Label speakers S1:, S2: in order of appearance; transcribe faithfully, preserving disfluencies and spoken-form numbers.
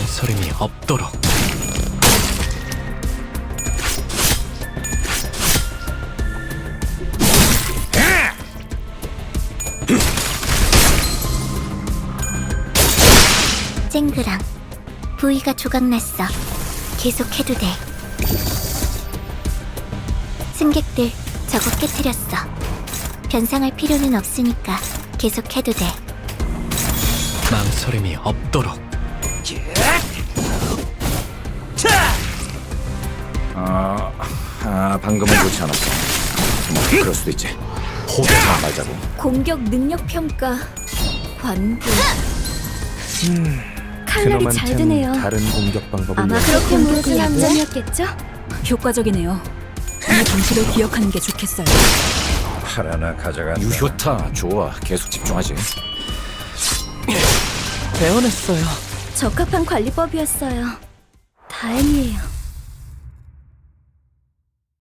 S1: 망설임이 없도록.
S2: 쨍그랑 부위가 조각났어. 계속해도 돼. 승객들 저거 깨트렸어. 변상할 필요는 없으니까 계속해도 돼.
S1: 망설임이 없도록.
S3: 아, 아 방금은 좋지 않았어. 뭐 그럴 수도 있지. 호대하지 말자고.
S2: 공격 능력 평가 관부. 칼날이 잘
S3: 그놈한텐
S2: 드네요.
S3: 다른 공격 방법을
S2: 아마
S3: 연-
S2: 그렇게 모두 얌전이었겠죠?
S4: 효과적이네요. 이 방식을 기억하는 게 좋겠어요.
S3: 하나나 가져간다. 유효타 좋아. 계속 집중하지.
S1: 배워냈어요.
S2: 적합한 관리법이었어요. 다행이에요.